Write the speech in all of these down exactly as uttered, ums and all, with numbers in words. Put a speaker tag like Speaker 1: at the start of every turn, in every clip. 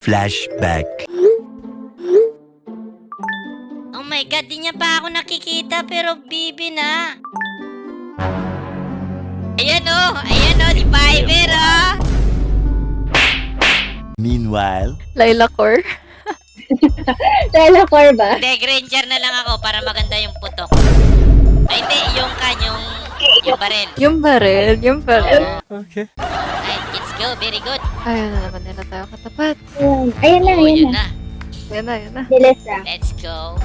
Speaker 1: Flashback.
Speaker 2: Oh my God, di niya pa ako nakikita pero bibi na. Ayan o, ayan o, si Piper o.
Speaker 1: Meanwhile,
Speaker 3: Laila Core.
Speaker 4: Laila Core ba?
Speaker 2: Hindi, Granger na lang ako para maganda yung putok. Ay, hindi, yung kan, yung, yung barel.
Speaker 3: Yung baril, yung baril.
Speaker 1: okay.
Speaker 2: Ay, let's go, very good.
Speaker 3: Ayun na naman nila tayo katapat.
Speaker 4: Ayan, ayan na,
Speaker 2: Oo,
Speaker 4: ayan
Speaker 2: yun
Speaker 4: na.
Speaker 2: na.
Speaker 3: Yan na, yan na.
Speaker 4: Bilis na.
Speaker 2: Let's go.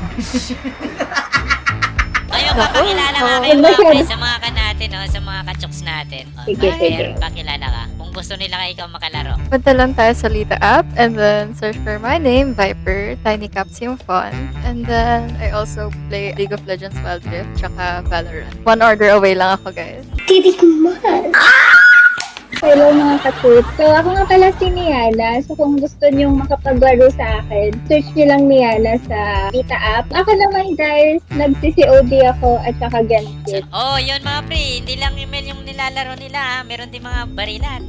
Speaker 2: Ayun,
Speaker 3: Naku,
Speaker 2: papakilala nga
Speaker 3: oh.
Speaker 2: kayo mga pre sa mga kan natin, oh, sa mga kachoks natin. Oh,
Speaker 4: Sige,
Speaker 2: Piper,
Speaker 4: sige.
Speaker 2: pakilala ka. Kung gusto nila kayo ikaw makalaro.
Speaker 3: Punta lang tayo sa Lita app and then search for my name, Viper, Tiny Caps yung fun. And then I also play League of Legends Wild Rift tsaka Valorant. One order away lang ako, guys.
Speaker 4: Titikman! Hello mga katut. So ako nga pala si Niana. So kung gusto nyong makapaglaro sa akin, search nyo lang Niana sa Vita app. Ako naman guys, nag-C C O D ako at saka Genfit.
Speaker 2: Oh, yun mga pre, hindi lang email yung nilalaro nila, ha. Meron din mga barilan.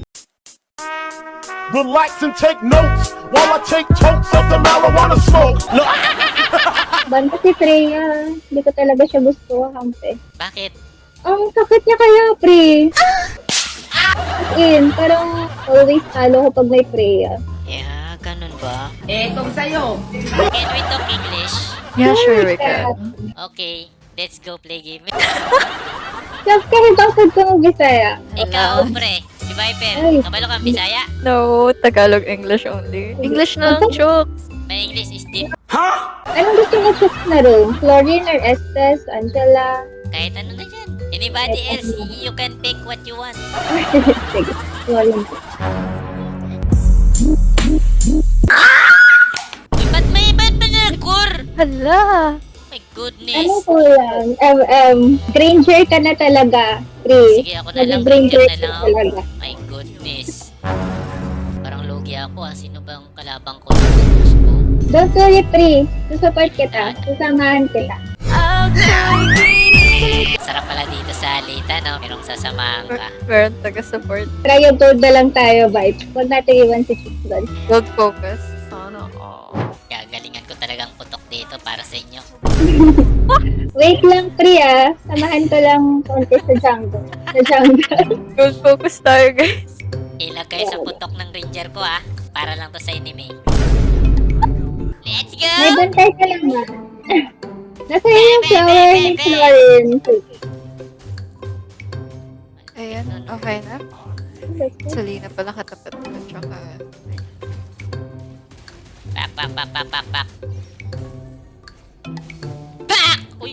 Speaker 5: Relax and take notes while I take totes of the marijuana smoke. Look.
Speaker 4: Banda si Freya. Hindi ko talaga siya gusto, kampe.
Speaker 2: Bakit?
Speaker 4: Ang sakit niya kaya, pre. As in, parang always talo ko pag may Freya.
Speaker 2: Yeah, ganun ba?
Speaker 6: Eh, kung sa'yo.
Speaker 2: Can we talk English?
Speaker 3: Yeah, sure we can.
Speaker 2: Okay, let's go play game.
Speaker 4: Tapos kahit bakit ko ng Bisaya.
Speaker 2: Ikaw, pre, si Viper,
Speaker 4: Ay.
Speaker 2: kabalo kang Bisaya?
Speaker 3: No, Tagalog English only. English na lang, chokes.
Speaker 2: My English is deep.
Speaker 4: Anong gusto mo chok na ro? Florian or Estes? Angela?
Speaker 2: Kahit ano na dyan. Anybody else, you can pick what you want.
Speaker 4: Sige, Florian.
Speaker 2: Uy, ba't may, ba't ba nag-core?
Speaker 3: Hala!
Speaker 2: My
Speaker 4: Ano
Speaker 2: goodness.
Speaker 4: ko lang? Um, um, Granger ka na talaga, Pri.
Speaker 2: Sige, ako na lang,
Speaker 4: Granger
Speaker 2: Granger na
Speaker 4: ka
Speaker 2: lang ako.
Speaker 4: talaga.
Speaker 2: My goodness. Parang logi ako ah. Sino bang kalabang ko? Diyos ko.
Speaker 4: Don't worry, Pri. Susupport kita. Susamahan kita.
Speaker 2: Sarap pala dito sa Alita, no? Merong sasamahan ka.
Speaker 3: Meron taga-support.
Speaker 4: Try yung gold na lang tayo, vibes. Huwag natin iwan si Chikdon.
Speaker 3: Gold focus. Sana all.
Speaker 2: Gagalingan ko talagang putok dito para sa inyo.
Speaker 4: Wait lang, Pri, ah. Samahan ko lang konti sa jungle. Sa jungle.
Speaker 3: Gold focus tayo, guys.
Speaker 2: Ilag kayo sa putok ng ranger ko, ah. Para lang to sa enemy. Let's go!
Speaker 4: May bantay ka lang, ah. Nasa yung flower ni Florin.
Speaker 3: Ayan, okay na. Salina pala katapat ko. Tsaka...
Speaker 2: Pak, pak, pak, pak, pak, pak. Pak! Uy!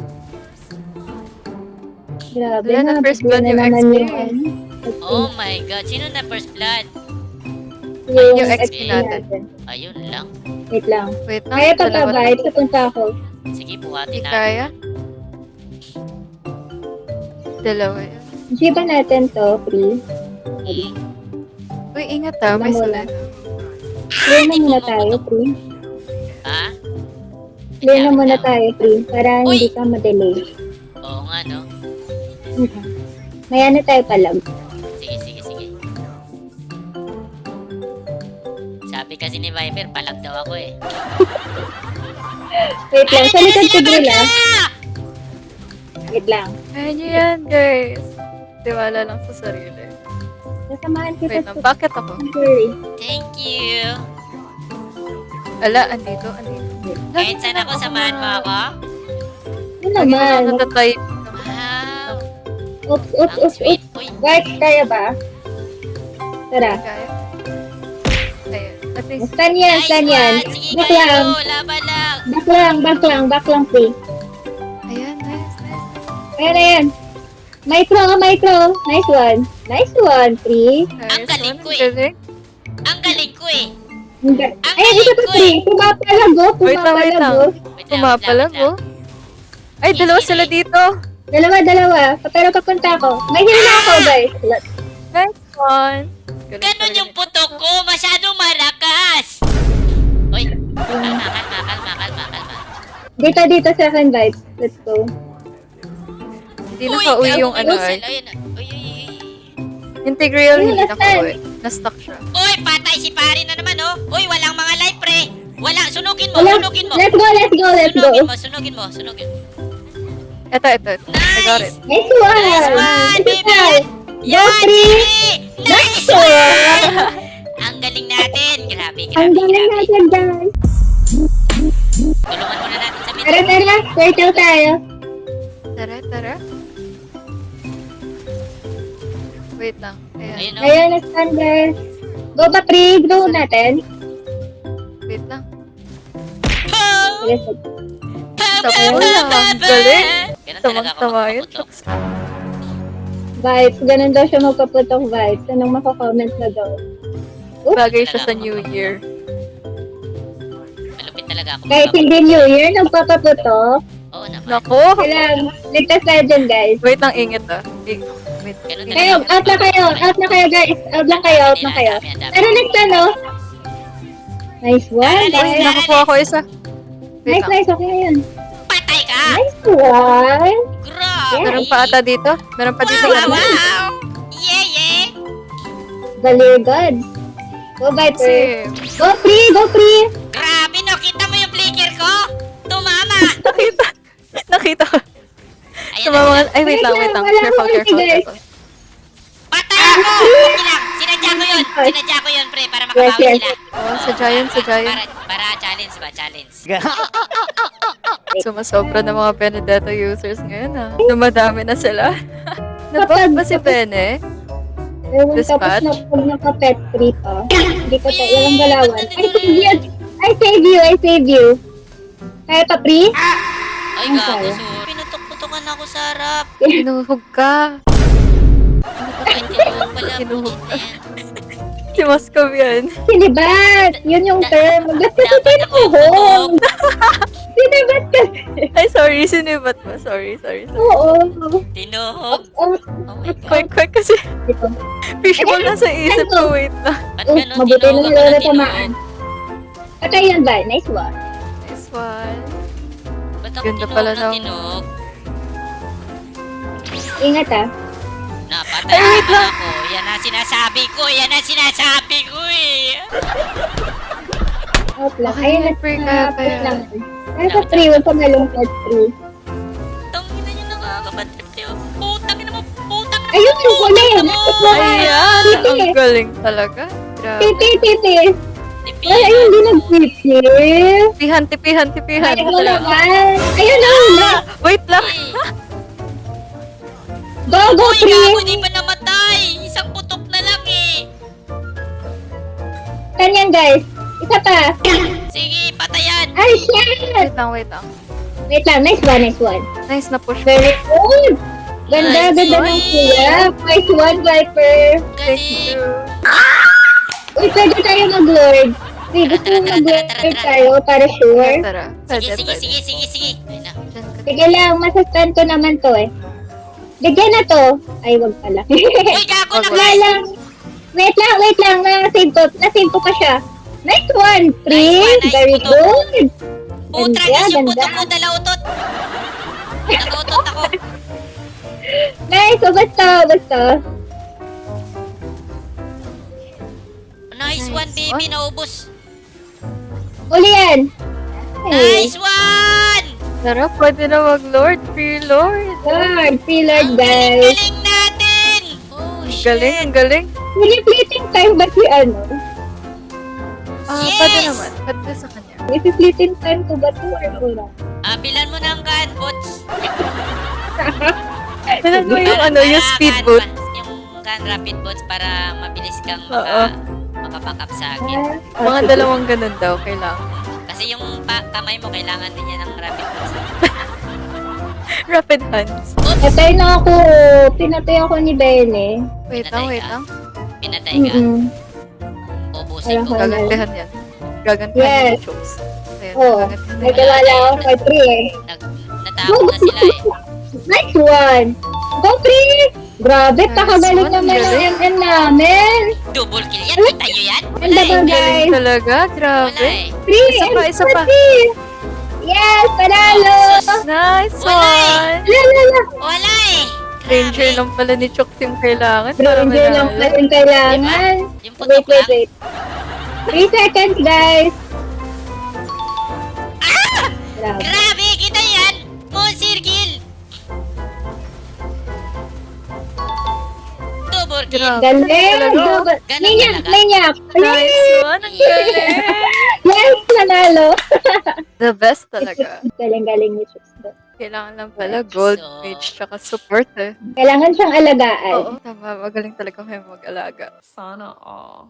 Speaker 4: Grabe
Speaker 3: Wala na,
Speaker 4: na.
Speaker 3: first blood yung
Speaker 4: naman
Speaker 3: X P.
Speaker 4: yung, ano,
Speaker 2: Oh my God! Sino na first blood?
Speaker 4: yung,
Speaker 3: yung X
Speaker 4: X
Speaker 3: P
Speaker 4: P
Speaker 3: natin.
Speaker 4: natin.
Speaker 2: Ayun lang.
Speaker 4: Wait lang.
Speaker 3: Wait lang.
Speaker 4: Kaya pa ka,
Speaker 3: dalawa na.
Speaker 4: vibes. Papunta ako.
Speaker 2: Sige,
Speaker 3: Hindi
Speaker 2: buhatin natin.
Speaker 3: kaya. Dalawa yun.
Speaker 4: G ba natin to, Pri?
Speaker 2: Hmm.
Speaker 3: Uy, ingat ah. May
Speaker 4: Wala.
Speaker 3: sulat.
Speaker 4: Clear na muna tayo, Pri.
Speaker 2: Ha?
Speaker 4: Clear na muna tayo, Pri. Para hindi ka ma-delay.
Speaker 2: Oo nga, no?
Speaker 4: Mhm. Maya na tayo palag.
Speaker 2: Sige, sige, sige. Sabi kasi ni Viper, palag daw ako eh.
Speaker 4: Wait lang. Sa likod ko drill, ah.
Speaker 2: Ah!
Speaker 4: Wait lang.
Speaker 3: Kaya nyo yan, guys. Tiwala lang sa sarili.
Speaker 4: Nasamahan kita
Speaker 3: Wait lang, bakit ako?
Speaker 4: Sorry.
Speaker 2: Thank you.
Speaker 3: Ala, andito, andito.
Speaker 2: Kahit saan ako, samahan mo ako?
Speaker 4: Ano
Speaker 3: Lagi na
Speaker 4: naman?
Speaker 3: natatype.
Speaker 2: Wow.
Speaker 4: Oops, oops,
Speaker 2: Ang
Speaker 4: oops,
Speaker 2: sweet.
Speaker 4: oops.
Speaker 2: Uy,
Speaker 4: Guys, kaya ba? Tara.
Speaker 3: Kaya. Ayan. At least,
Speaker 4: Stan yan,
Speaker 2: nice
Speaker 4: stan yan.
Speaker 2: one. Sige
Speaker 4: Back
Speaker 2: kayo,
Speaker 4: lang.
Speaker 2: laban lang.
Speaker 4: Back lang, back lang, back lang, Pri.
Speaker 3: ayan, nice, nice.
Speaker 4: Ayan, ayan. Micro, micro. Nice one. Nice one, Pri.
Speaker 2: Ang
Speaker 3: Nice
Speaker 2: galing
Speaker 3: one,
Speaker 2: ko
Speaker 3: ang
Speaker 2: eh.
Speaker 3: galing.
Speaker 2: Ang galing ko eh.
Speaker 4: Ang ga-
Speaker 2: Ang
Speaker 4: Ayan, isa
Speaker 2: galing
Speaker 4: pa,
Speaker 2: ko
Speaker 4: Pri.
Speaker 2: eh.
Speaker 4: Pumapalago,
Speaker 3: Wait lang, wait lang.
Speaker 4: pumapalago.
Speaker 2: Wait lang, wait lang,
Speaker 3: Pumapalag,
Speaker 2: wait lang.
Speaker 3: oh. Ay, dalawa sila dito.
Speaker 4: Dalawa, dalawa. Pa- Pero papunta ako. May heal na ako, guys.
Speaker 3: Nice one. Galing
Speaker 2: Ganon
Speaker 3: talaga
Speaker 2: yung
Speaker 3: ni-
Speaker 2: putok ko. Masyadong malakas. Uy, kalma, kalma, kalma, kalma, kalma.
Speaker 4: Dito, dito sa akin, vibes. Let's go.
Speaker 3: Hindi nakauwi yung ano ay.
Speaker 2: Ayun, uy, uy, uy.
Speaker 3: Yung Tigreal
Speaker 4: Ayun,
Speaker 3: hindi
Speaker 4: nasaan?
Speaker 3: nakauwi. Na-stuck siya.
Speaker 2: Uy, patay si pare na naman, oh. Uy, walang
Speaker 4: Wala.
Speaker 2: sunugin mo.
Speaker 4: Let's go, let's go, let's go.
Speaker 2: Sunugin mo, sunugin mo, sunugin mo.
Speaker 3: Ito, ito. ito. I got it.
Speaker 2: Nice!
Speaker 4: Nice one!
Speaker 2: Nice one,
Speaker 4: Ito
Speaker 2: baby!
Speaker 4: tayo.
Speaker 2: Yan,
Speaker 4: three.
Speaker 2: Jimmy! Nice
Speaker 4: one!
Speaker 2: one! Ang galing natin. Grabe, grabe,
Speaker 4: Ang galing
Speaker 2: grabe.
Speaker 4: natin, guys.
Speaker 2: Tulungan muna natin sa
Speaker 4: Tara,
Speaker 2: mid.
Speaker 4: tara. Turtle tayo.
Speaker 3: Tara, tara. Wait lang. Ayan.
Speaker 2: Ayun, oh.
Speaker 4: Ayun, standard. Go ba, pre? Go natin.
Speaker 3: Wait lang.
Speaker 2: Pow!
Speaker 4: Yes.
Speaker 2: Pow,
Speaker 3: Sabi
Speaker 2: pow,
Speaker 3: mo lang,
Speaker 2: pow,
Speaker 3: ang
Speaker 2: pow,
Speaker 3: galing.
Speaker 2: pow. Ganun talaga ako
Speaker 3: Tamang-tama yun.
Speaker 2: magpaputok.
Speaker 4: Vibes. Ganun daw siya magpaputok vibes. Anong makakomment na daw? Oops.
Speaker 3: Bagay siya sa New Year.
Speaker 2: Malupit talaga ako.
Speaker 4: Kahit hindi New Year, nagpapaputok.
Speaker 2: Oo naman.
Speaker 3: Nako!
Speaker 4: Kailangan, ligtas tayo dyan, guys.
Speaker 3: Wait lang, ingit ah. I- Wait.
Speaker 2: Ganun
Speaker 4: Kayo,
Speaker 2: talaga.
Speaker 4: out na kayo. Out na kayo, guys. Out lang kayo, out na kayo.
Speaker 2: Ang dami, ang dami.
Speaker 4: Pero next ano? Nice one,
Speaker 2: Alis,
Speaker 3: Uy,
Speaker 4: guys.
Speaker 3: nakakuha ko isa. Wait
Speaker 4: Nice,
Speaker 3: lang.
Speaker 4: nice. Okay na yun.
Speaker 2: Patay ka!
Speaker 4: Nice one.
Speaker 2: Grabe!
Speaker 3: Meron pa ata dito? Meron pa dito.
Speaker 2: Wow,
Speaker 3: ano?
Speaker 2: wow, wow! Yeah, yeah!
Speaker 4: Galing, God. Go, Viper.
Speaker 3: Kasi,
Speaker 4: Go, free. Go, free.
Speaker 2: Grabe, no? Kita mo yung flicker ko? Tumama!
Speaker 3: nakita. Nakita ko.
Speaker 2: Ayan
Speaker 3: Sa
Speaker 2: na,
Speaker 3: mga...
Speaker 2: ayan.
Speaker 3: Ay, wait lang, wait lang.
Speaker 4: Wala
Speaker 3: Careful,
Speaker 4: akong
Speaker 3: careful,
Speaker 4: ulti, guys.
Speaker 3: careful.
Speaker 2: Patay ako! Okay lang. Sinadya ko yun. Sinadya ko yun, pre, para makabawi
Speaker 4: Yes, yes.
Speaker 2: sila.
Speaker 3: Oh, sa Giant, sa Giant.
Speaker 2: Para, para challenge ba? Challenge.
Speaker 3: Sumasobra ng mga Benedetto users ngayon ah. Dumadami na sila. Nabot ba si Bene?
Speaker 4: Ewan, tapos
Speaker 3: Dispatch?
Speaker 4: na pag naka-pet free pa. Hindi ko to, walang galawan. I save you. I save you. I save you. Kaya pa, free?
Speaker 2: Ay,
Speaker 4: Ang
Speaker 2: gago.
Speaker 4: saya.
Speaker 2: So, pinutok-putokan ako sa harap.
Speaker 3: Hinuhog ka.
Speaker 2: Ay, tinuhog pala.
Speaker 3: Hinuhog
Speaker 2: Bullshit na yan.
Speaker 3: Si Moscow yan.
Speaker 4: Sinibat. Yun yung term. Ba't kasi
Speaker 2: Dapat ako yung
Speaker 4: tinuhog?
Speaker 2: putok.
Speaker 4: Sinibat kasi.
Speaker 3: Ay, sorry. Sinibat mo. Sorry, sorry. sorry.
Speaker 4: Oo.
Speaker 2: Tinuhog.
Speaker 4: Oh,
Speaker 2: Oh my God.
Speaker 3: Quick, quick kasi
Speaker 4: dito.
Speaker 3: fishball na sa isip ko. Wait lang.
Speaker 2: Ba't
Speaker 4: Oh,
Speaker 2: ganun?
Speaker 4: mabuti na
Speaker 2: Tinuhog
Speaker 4: sila
Speaker 2: ako
Speaker 4: na
Speaker 2: na
Speaker 4: tamaan.
Speaker 2: tinuhog.
Speaker 4: Patay yan ba? Nice one.
Speaker 3: Nice one.
Speaker 2: Ba't ako
Speaker 3: Ganda
Speaker 2: tinuhog
Speaker 3: pala
Speaker 2: na
Speaker 3: ng-
Speaker 2: tinuhog?
Speaker 4: Ingat ah.
Speaker 2: Napatay
Speaker 3: Ay, wait
Speaker 2: naman ako. Yan ang sinasabi ko. Yan ang sinasabi ko eh.
Speaker 4: Out lang.
Speaker 3: Okay,
Speaker 4: Ayun,
Speaker 3: free ka,
Speaker 4: na-
Speaker 3: kaya-
Speaker 4: lang. Nasa free. Huwag ka malungkot free.
Speaker 2: Tangina nyo nakakabatrip kayo. Putang ina mo. Putang ina mo.
Speaker 4: Ayun, yung huli.
Speaker 2: putang ina mo.
Speaker 3: Ayan.
Speaker 4: Titi.
Speaker 3: Ang galing talaga. Grabe.
Speaker 4: Titi, titi.
Speaker 2: Tipihan
Speaker 4: Ay, ayun, hindi
Speaker 2: mo.
Speaker 4: nag-titi.
Speaker 3: Tipihan, tipihan, tipihan.
Speaker 4: Ay, wala naman. Ayun na, wala.
Speaker 3: Wait lang.
Speaker 2: Eh.
Speaker 4: Go, go,
Speaker 2: Uy, gago,
Speaker 4: free.
Speaker 2: di pa namatay. Isang putok na lang eh.
Speaker 4: Kanyan, guys. Isa pa.
Speaker 2: Sige, patayan.
Speaker 4: Ay, shit.
Speaker 3: Wait lang, wait lang.
Speaker 4: Wait lang. Nice one, nice one.
Speaker 3: Nice na push.
Speaker 4: Very good. Ganda,
Speaker 2: Nice
Speaker 4: ganda
Speaker 2: one.
Speaker 4: ng kuya. Nice one, Viper.
Speaker 3: Thank
Speaker 2: Galing.
Speaker 3: you.
Speaker 4: Uy, pwede tayo mag-lord. Uy, gusto
Speaker 2: Tara,
Speaker 4: mo
Speaker 2: tara, tara,
Speaker 4: mag-lord
Speaker 2: tara, tara.
Speaker 4: tayo para sure.
Speaker 3: Tara.
Speaker 2: Sige,
Speaker 3: Pwede,
Speaker 2: sige,
Speaker 3: pwede.
Speaker 2: sige, sige, sige. Ayun na.
Speaker 3: Diyan ka.
Speaker 4: Sige lang, masastan ko naman to eh. Bigyan na to. Ay, wag pala.
Speaker 2: Uy, gago na
Speaker 3: Wag,
Speaker 4: Wala
Speaker 2: guys.
Speaker 4: lang. Wait lang, wait lang. Na-save ko. Na-save ko pa siya. Nice one,
Speaker 2: Nice
Speaker 4: Prince.
Speaker 2: one, nice
Speaker 4: Very
Speaker 2: puto.
Speaker 4: good.
Speaker 2: Putra,
Speaker 4: Ganda,
Speaker 2: guys, yung
Speaker 4: ganda.
Speaker 2: putok ko dalautot. Nag-utot ako.
Speaker 4: Nice. So, basta, basta.
Speaker 2: Nice
Speaker 3: Nice
Speaker 2: one, baby.
Speaker 3: one.
Speaker 2: Naubos.
Speaker 4: Uli yan. Hey.
Speaker 2: Nice one!
Speaker 3: Tara, pwede na mag-lord. Free lord.
Speaker 4: Lord, free Lord,
Speaker 2: Ang
Speaker 4: guys.
Speaker 2: galing-galing natin! Oh, shit.
Speaker 3: Galing, ang galing.
Speaker 4: Pili-fleeting time ba si ano?
Speaker 3: Ah,
Speaker 2: Yes!
Speaker 3: pwede naman. Pwede sa kanya.
Speaker 4: Pili-fleeting time ko ba to or wala?
Speaker 2: Ah, bilan mo ng gun, bots.
Speaker 3: Ano mo yung
Speaker 2: Para-
Speaker 3: ano, yung
Speaker 2: para
Speaker 3: speed
Speaker 2: gun
Speaker 3: boot?
Speaker 2: pa- Yung gun rapid bots para mabilis kang
Speaker 3: Oo.
Speaker 2: maka, makapack up sa akin.
Speaker 3: Mga dalawang ganun daw, kailangan.
Speaker 2: Kasi yung pa- kamay mo, kailangan din yan ng rapid bots.
Speaker 3: Rapid hands.
Speaker 2: Oops!
Speaker 4: Patay na ako. Pinatay ako ni Bene.
Speaker 3: Wait lang, wait lang.
Speaker 2: Pinatay ka.
Speaker 4: Mm-mm.
Speaker 2: Ubusin ko.
Speaker 4: Wala.
Speaker 3: Gagantihan yan. Gagantihan
Speaker 4: Yes.
Speaker 3: yung chokes. Ayan,
Speaker 4: Oo.
Speaker 3: gagantihan
Speaker 4: May
Speaker 3: yan.
Speaker 4: kilala ako for three eh.
Speaker 2: Nag, natakot na sila eh.
Speaker 4: Nice one. Go three. Grabe,
Speaker 3: Nice
Speaker 4: pakabalik
Speaker 3: one,
Speaker 4: naman ang
Speaker 3: galing.
Speaker 4: M M namin.
Speaker 2: Double kill yan. Kita nyo yan? Wala
Speaker 4: Ganda
Speaker 2: eh.
Speaker 4: ba,
Speaker 3: Ang
Speaker 4: guys?
Speaker 3: galing talaga,
Speaker 2: Wala
Speaker 3: grabe.
Speaker 2: eh.
Speaker 4: Three.
Speaker 3: Isa pa, isa pa.
Speaker 4: Three. Yes, panalo.
Speaker 2: Oh, sus.
Speaker 3: Nice
Speaker 2: Wala
Speaker 3: one!
Speaker 4: La, la, la.
Speaker 2: Wala eh.
Speaker 3: Ranger
Speaker 2: Grabe.
Speaker 3: lang pala ni Chooks yung kailangan para
Speaker 4: Ranger lang
Speaker 3: manalo.
Speaker 4: pa rin kailangan.
Speaker 2: Yung
Speaker 4: Wait,
Speaker 2: putok
Speaker 4: wait,
Speaker 2: lang.
Speaker 4: wait. Three seconds, guys. Grabe.
Speaker 2: Grabe! Kita yan! Monster kill! Double kill!
Speaker 3: Grabe.
Speaker 4: Galing!
Speaker 3: Talaga?
Speaker 4: Double.
Speaker 2: Ganun
Speaker 4: Minyak!
Speaker 2: talaga?
Speaker 4: Minyak!
Speaker 3: Nice one! Ang galing!
Speaker 4: Yes! Nanalo!
Speaker 3: The best talaga.
Speaker 4: Galing-galing ni Chooks doon.
Speaker 3: Kailangan lang pala gold,
Speaker 2: So-
Speaker 3: mage, tsaka support eh.
Speaker 4: Kailangan siyang alagaan.
Speaker 3: Oo, tama. Magaling talaga kayo mag-alaga.
Speaker 6: Sana all.